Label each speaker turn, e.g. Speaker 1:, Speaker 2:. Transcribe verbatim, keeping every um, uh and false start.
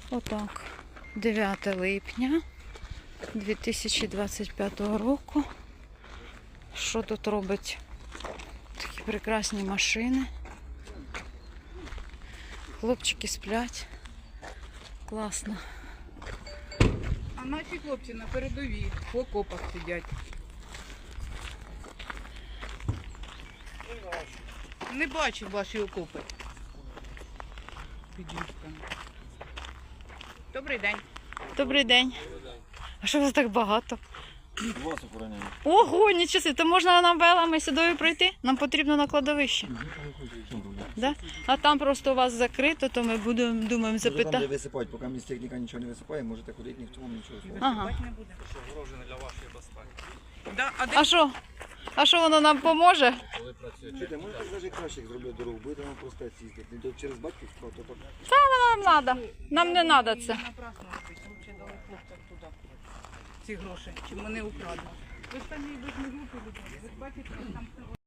Speaker 1: Отак. дев'яте липня дві тисячі двадцять п'ятого року. Що тут робить? Такі прекрасні машини. Хлопчики сплять. Класно.
Speaker 2: А наші хлопці на передовій в окопах сидять. Не бачу ваші окопи. Під юшками. Добрий день.
Speaker 1: Добрий день. А що вас так багато?
Speaker 3: Вас охороняємо.
Speaker 1: Ого, нічого собі. То можна нам велами сюди пройти? Нам потрібно на кладовище. Да? А там просто у вас закрито, то ми будемо, думаємо,
Speaker 3: Там, де
Speaker 1: запитати.
Speaker 3: висипають, поки місць техніка нічого не висипає, можете ходити, ніхто вам нічого не
Speaker 1: Ага.
Speaker 2: Не буде.
Speaker 4: Огорожене для вашої безпеки.
Speaker 2: Да, а де
Speaker 1: А що? А що воно нам поможе?
Speaker 4: Коли працюєте.
Speaker 3: Чуєте, може так навіть краще, як зроблять дорогу, будете вам просто їздити. Не то через батьківського, то так.
Speaker 1: Нам треба. Нам не треба це.
Speaker 2: напрасно робити? Лучше дали хлопцям туди ці гроші, чим вони украдуть. Ви ж там і без групи, ви бачите, там